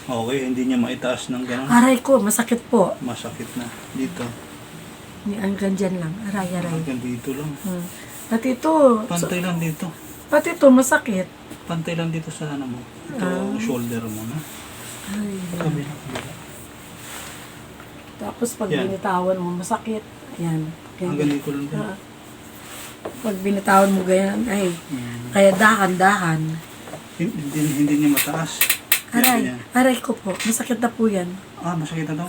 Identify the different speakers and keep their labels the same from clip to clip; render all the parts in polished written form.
Speaker 1: Okay, hindi niya maitaas ng gano'n.
Speaker 2: Aray ko, masakit po.
Speaker 1: Masakit na. Dito.
Speaker 2: Hanggang dyan lang. Aray.
Speaker 1: Hanggang dito lang.
Speaker 2: Pati ito.
Speaker 1: Pantay lang dito.
Speaker 2: Pati ito, masakit.
Speaker 1: Pantay lang dito sa ano mo. Ito, shoulder mo na.
Speaker 2: Ay.
Speaker 1: Kabila.
Speaker 2: Tapos pag
Speaker 1: Yan.
Speaker 2: binitawan mo, masakit. Ayan.
Speaker 1: Hanggang dito lang din.
Speaker 2: Pag binitawan mo ganyan, ay. Kaya dahan-dahan.
Speaker 1: Hindi niya mataas.
Speaker 2: Aray ko po. Masakit na po yan.
Speaker 1: Masakit na daw.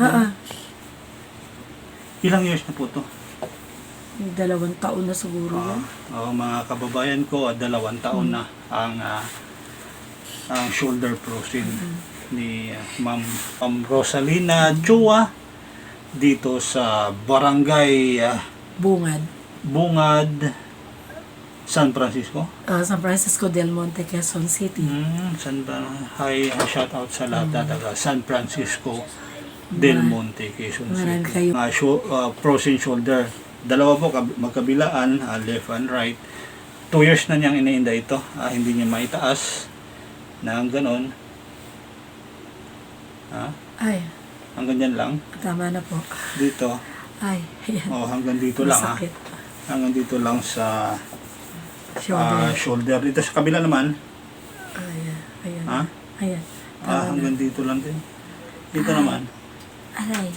Speaker 1: Ilang years na po to?
Speaker 2: 2 taon na siguro yan.
Speaker 1: Mga kababayan ko, 2 taon na ang shoulder bruising ni Ma'am Rosalina Chua dito sa Barangay Bungad, San Francisco.
Speaker 2: San Francisco del Monte, Quezon City.
Speaker 1: Hi, shout out sa lahat na taga San Francisco del Monte, Quezon City. Frozen shoulder. Dalawa po magkabilaan, left and right. 2 years na niyang iniinda ito. Hindi niya maitaas na ganon.
Speaker 2: Ay.
Speaker 1: Hanggang dyan lang.
Speaker 2: Tama na po.
Speaker 1: Dito.
Speaker 2: Ay.
Speaker 1: Hanggang dito lang.
Speaker 2: Masakit.
Speaker 1: Hanggang dito lang sa
Speaker 2: Shoulder.
Speaker 1: shoulder. Dito sa kabila naman.
Speaker 2: Ayan. Ayan.
Speaker 1: Hanggang dito lang din. Dito naman.
Speaker 2: Aray.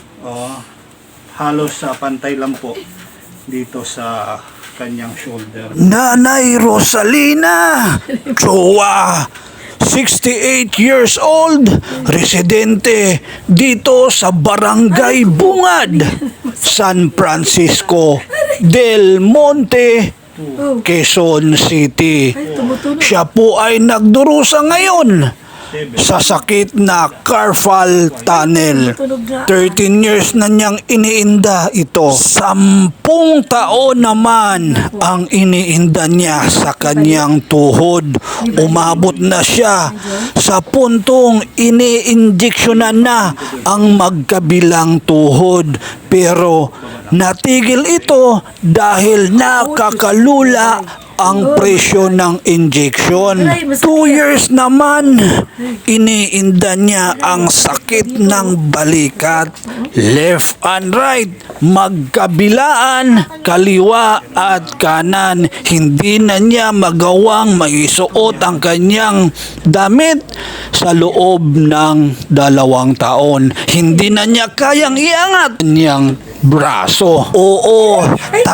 Speaker 1: Halos pantay lang po dito sa kanyang shoulder.
Speaker 3: Nanay Rosalina Chua, 68 years old, residente dito sa Barangay Bungad, San Francisco del Monte, Quezon City. Siya po ay nagdurusa ngayon sa sakit na carpal tunnel. 13 years na niyang iniinda ito. 10 taon naman ang iniinda niya sa kanyang tuhod. Umabot na siya sa puntong iniinjeksyonan na ang magkabilang tuhod. Pero natigil ito dahil nakakalula ang presyo ng injection. 2 years naman, iniinda niya ang sakit ng balikat. Left and right, magkabilaan, kaliwa at kanan. Hindi na niya magawang maisuot ang kanyang damit sa loob ng 2 taon. Hindi na niya kayang iangat niyang braso. Oo,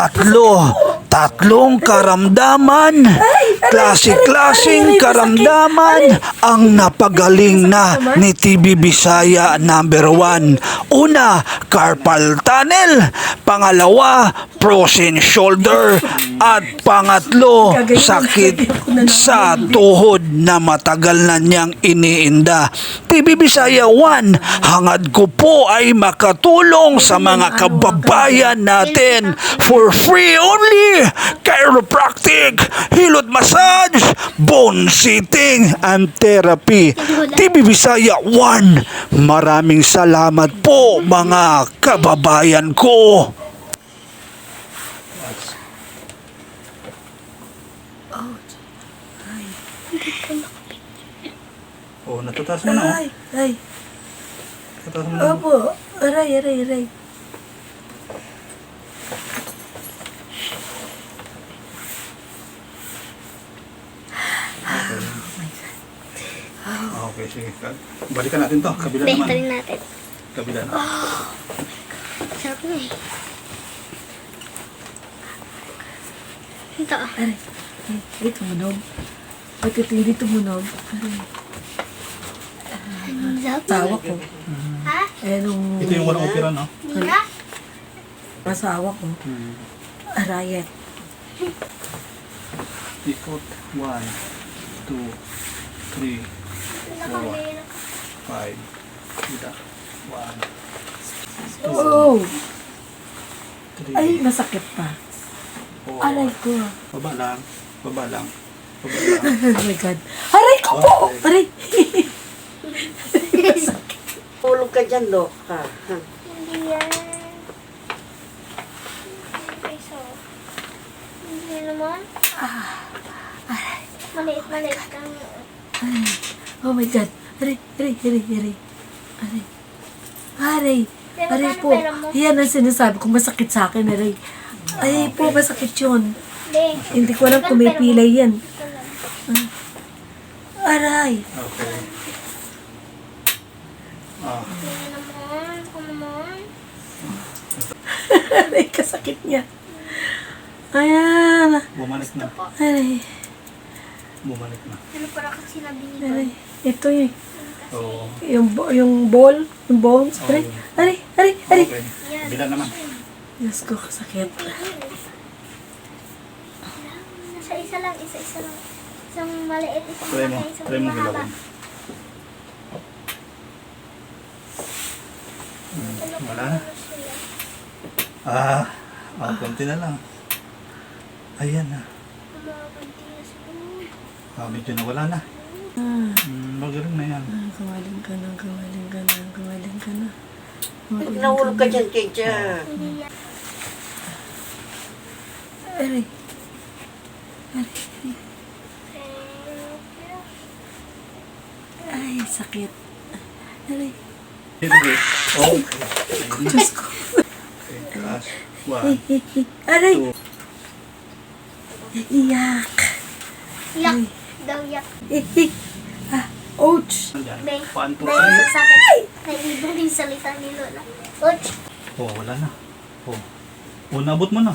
Speaker 3: tatlong karamdaman, klase-klaseng karamdaman ang napagaling na ni TV Bisaya number 1. Una, carpal tunnel. Pangalawa, frozen shoulder. At pangatlo, sakit sa tuhod na matagal na niyang iniinda. TV Bisaya 1, hangad ko po ay makatulong sa mga kababayan natin for free only. Chiropractic, hilot massage, bone sitting, and therapy. TV Bisaya 1, maraming salamat po mga kababayan ko.
Speaker 1: Natataas mo na.
Speaker 2: Ay.
Speaker 1: Natataas mo na.
Speaker 2: Opo. Aray.
Speaker 1: Okay, sige. Balikan natin to. Kabila naman.
Speaker 4: Balikan natin.
Speaker 1: Kabila na.
Speaker 4: Sarap na eh. Ito.
Speaker 2: Aray. Ay, tumunog. Ba't ito hindi tumunog? Aray. Asawa ko.
Speaker 4: Ha?
Speaker 2: Nung...
Speaker 1: Ito yung walang opera, no?
Speaker 4: Mira?
Speaker 2: Asawa ko. Arayet.
Speaker 1: Ikot. 1, 2, 3, 4, 5. Kita. 1, 2,
Speaker 2: Oh!
Speaker 1: 3,
Speaker 2: Ay, masakit pa.
Speaker 1: 4.
Speaker 2: Aray ko.
Speaker 1: Baba lang.
Speaker 2: Oh my God. Aray ko po! Aray!
Speaker 5: Tulog ka dyan, Dok.
Speaker 4: Hindi yan. Peso. Hindi naman. Maliit lang.
Speaker 2: Oh my God. Aray. Aray.
Speaker 4: Pero
Speaker 2: Aray
Speaker 4: paano
Speaker 2: po.
Speaker 4: pera mo?
Speaker 2: Yan ang sinasabi ko, masakit sa akin, aray. Ay po, masakit yun.
Speaker 4: Hindi.
Speaker 2: Hindi ko alam kung may pilay yan.
Speaker 4: Ito lang.
Speaker 2: Aray.
Speaker 1: Okay. Ah,
Speaker 4: Tingnan naman. Ako naman.
Speaker 2: Aray, kasakit niya. Ayan.
Speaker 1: bumalik na.
Speaker 2: Aray.
Speaker 1: Bumalik na.
Speaker 4: Ano para kasi sinabi ni
Speaker 2: Aray. Ito yun.
Speaker 1: Oo.
Speaker 2: Yung ball, yung bones. Aray. Aray. Aray. Aray.
Speaker 1: Okay. Bila naman.
Speaker 2: Diyos ko, kasakit.
Speaker 4: Isa-isa lang. Isa-isa lang. Isang maliit, isang
Speaker 1: Try mo.
Speaker 4: malaki, isang
Speaker 1: Try mo
Speaker 4: mahaba.
Speaker 1: bilawin. Wala na. Konti na lang. Ayan na. Medyo nawala na. Magaling na yan.
Speaker 2: Gawaling ka na, gawaling ka na, gawaling ka na.
Speaker 5: Nahulog ka dyan, teacher.
Speaker 4: Hindi yan.
Speaker 2: Aray. Ay, sakit. Aray.
Speaker 1: Sige. Okay.
Speaker 2: Diyos ko.
Speaker 1: Okay. Taas. One.
Speaker 2: Aray.
Speaker 1: Two.
Speaker 2: Iyak.
Speaker 4: Yak. Daw yak.
Speaker 2: Ouch.
Speaker 1: Andyan.
Speaker 4: Bay.
Speaker 1: One, two,
Speaker 4: Dahil
Speaker 1: three.
Speaker 4: sa sakit. Naiiba yung salita ni Lola. Ouch.
Speaker 1: Oh, wala na. Oh. Oh, naabot mo na.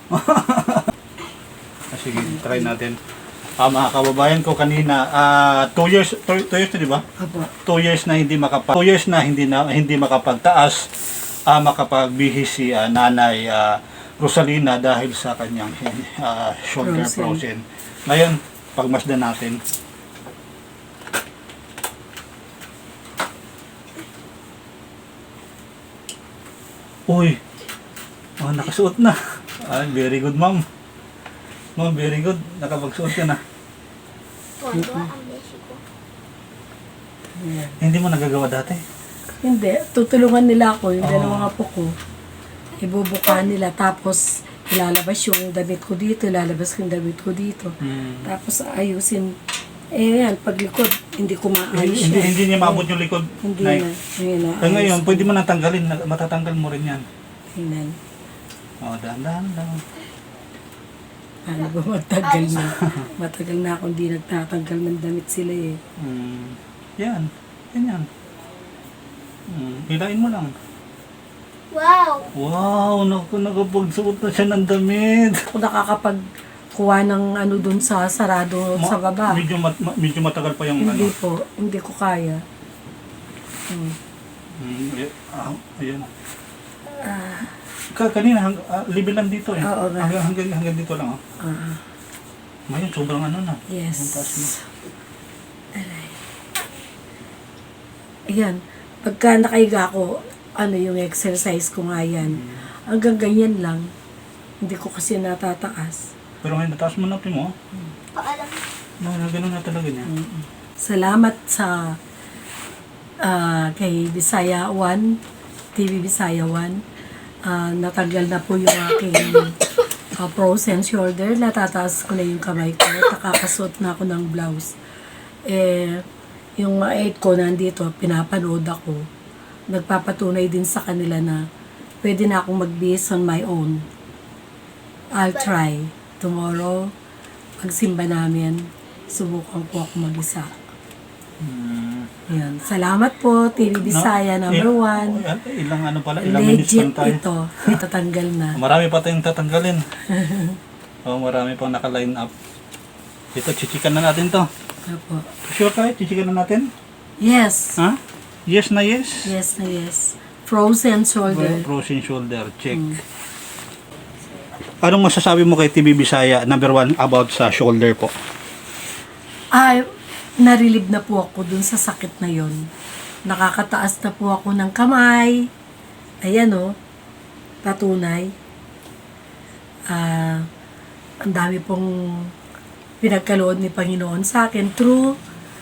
Speaker 1: Sige, try natin. Mga kababayan ko kanina, 2 years na, di ba?
Speaker 2: Aba.
Speaker 1: 2 years na hindi makapagtaas, makapagbihis si Nanay Rosalina dahil sa kanyang shoulder frozen. Ngayon, pagmasdan natin. Uy, nakasuot na. Very good, ma'am. Ma'am, very good. Nakapagsuot ka na.
Speaker 4: Tuwa-tuwa ang beshi ko.
Speaker 1: Hindi mo nagagawa dati.
Speaker 2: Hindi. Tutulungan nila ako, yung dalawang apo ko. Ibubuka nila, tapos ilalabas yung damit ko dito, ilalabas yung damit ko dito. Tapos ayusin. Yan, paglikod, hindi ko maayos yan.
Speaker 1: Hindi niya maabot yung likod.
Speaker 2: Hindi
Speaker 1: Nay.
Speaker 2: na. Ngayon na.
Speaker 1: Ngayon, pwede mo natanggalin. Matatanggal mo rin yan.
Speaker 2: Tingnan.
Speaker 1: Dahan-dahan lang.
Speaker 2: Paano ba matagal na? Matagal na akong di nagtatanggal ng damit sila eh.
Speaker 1: Yan. Yan. Hilain mo lang.
Speaker 4: Wow.
Speaker 1: Wow, nakapagsuot na siya ng damit.
Speaker 2: Ako nakakapagkuha ng ano dun sa sarado sa baba.
Speaker 1: Medyo matagal pa yung
Speaker 2: Hindi po. Hindi ko kaya.
Speaker 1: Ayan. Kanina, libil lang dito eh.
Speaker 2: Oo nga.
Speaker 1: Hanggang dito lang. Ngayon, sobrang ano na.
Speaker 2: Yes.
Speaker 1: Ang taas na.
Speaker 2: Aray. Ayan. Pagka nakahiga ako, yung exercise ko nga yan. Hanggang ganyan lang. Hindi ko kasi natataas.
Speaker 1: Pero ngayon, nataas mo na mo.
Speaker 4: Paalam.
Speaker 1: Ganun na talaga niya.
Speaker 2: Salamat sa kay Bisaya 1, TV Bisaya 1. Natanggal na po yung aking frozen shoulder. Natataas ko na yung kamay ko. Nakakasuot na ako ng blouse. Yung mga 8 ko nandito, pinapanood ako. Nagpapatunay din sa kanila na pwede na akong magbihis on my own. I'll try. Tomorrow, pagsimba namin, subukan ko ako mag-isa. Yan. Salamat po, TV Bisaya number 1.
Speaker 1: Ilang minutes
Speaker 2: Legit
Speaker 1: lang tayo.
Speaker 2: ito. Itatanggal na.
Speaker 1: Marami pa tayong tatanggalin. Marami pang naka-line up. Ito, chichikan na natin to.
Speaker 2: Opo.
Speaker 1: Sure tayo, chichikan na natin?
Speaker 2: Yes.
Speaker 1: Ha? Yes na yes?
Speaker 2: Yes na yes. Frozen shoulder.
Speaker 1: Frozen shoulder, check. Anong masasabi mo kay TV Bisaya number 1 about sa shoulder po?
Speaker 2: Narilib na po ako dun sa sakit na yon. Nakakataas na po ako ng kamay. Ayan o. Patunay. Ang dami pong pinagkaloob ni Panginoon sa akin through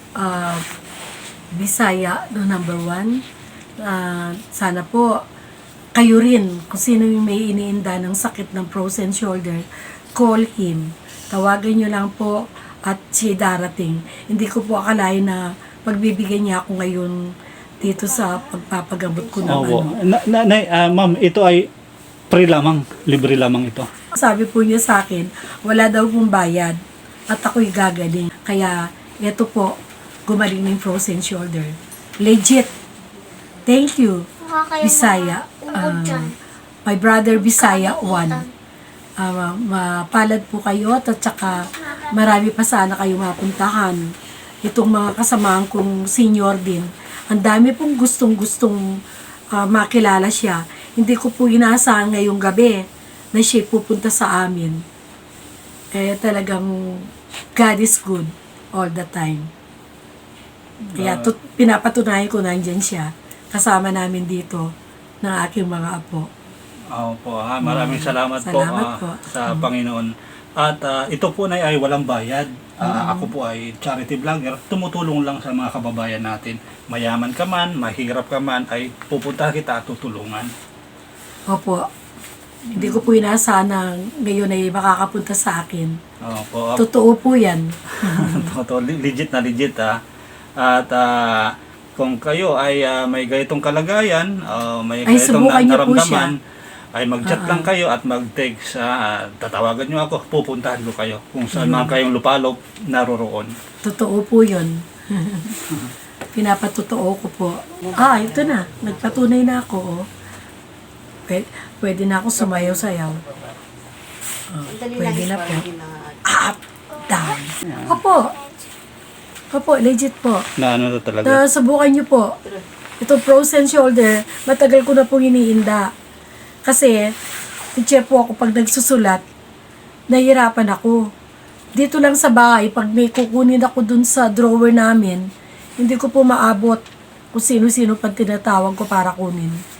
Speaker 2: Bisaya no number 1. Sana po kayo rin, kung sino yung may iniinda ng sakit ng frozen shoulder, call him. Tawagan nyo lang po at siya darating. Hindi ko po akalain na pagbibigyan niya ako ngayon dito sa pagpapagamot ko ng
Speaker 1: Opo.
Speaker 2: ano.
Speaker 1: Ma'am, ito ay free lamang, libre lamang ito.
Speaker 2: Sabi po niya sa akin, wala daw pong bayad at ako'y gagaling. Kaya ito po, gumaling ng frozen shoulder. Legit. Thank you,
Speaker 4: Mukha kayo
Speaker 2: Bisaya.
Speaker 4: uod dyan.
Speaker 2: My brother Bisaya 1. Mapalad po kayo at saka marami pa sana kayo mapuntahan. Itong mga kasamahan kong senior din. Ang dami pong gustong-gustong makilala siya. Hindi ko po inaasahan ngayong gabi na siya pupunta sa amin. Eh talagang God is good all the time. Kaya pinapatunayan ko nandyan siya. Kasama namin dito ng aking mga apo.
Speaker 1: Opo, maraming salamat,
Speaker 2: Salamat
Speaker 1: po,
Speaker 2: po.
Speaker 1: sa Panginoon. At ito po ay walang bayad. Ako po ay charity vlogger. Tumutulong lang sa mga kababayan natin. Mayaman ka man, mahirap ka man, ay pupunta kita at tutulungan.
Speaker 2: Opo. Hindi ko po inaasahan na ngayon ay makakapunta sa akin.
Speaker 1: Opo.
Speaker 2: Totoo po yan.
Speaker 1: Totoo, legit na legit At kung kayo ay may ganitong kalagayan, may
Speaker 2: Ay,
Speaker 1: ganitong
Speaker 2: subukan niyo po
Speaker 1: naramdaman, ay mag-chat lang kayo at mag-text. Tatawagan nyo ako, pupuntahan ko kayo. Kung saan man kayong lupalop, naroroon.
Speaker 2: Totoo po yun. Pinapatotoo ko po. Ito na. Nagpatunay na ako. Oh. Pwede na ako sumayaw-sayaw.
Speaker 5: Dali
Speaker 2: Pwede
Speaker 5: lang
Speaker 2: na po.
Speaker 5: parang
Speaker 2: Up, down. Opo, legit po.
Speaker 1: Na ano to talaga?
Speaker 2: Subukan nyo po. Ito frozen shoulder, matagal ko na pong iniinda. Kasi, teacher po ako pag nagsusulat, nahihirapan ako. Dito lang sa bahay, pag may kukunin ako dun sa drawer namin, hindi ko po maabot kung sino-sino pang tinatawag ko para kunin.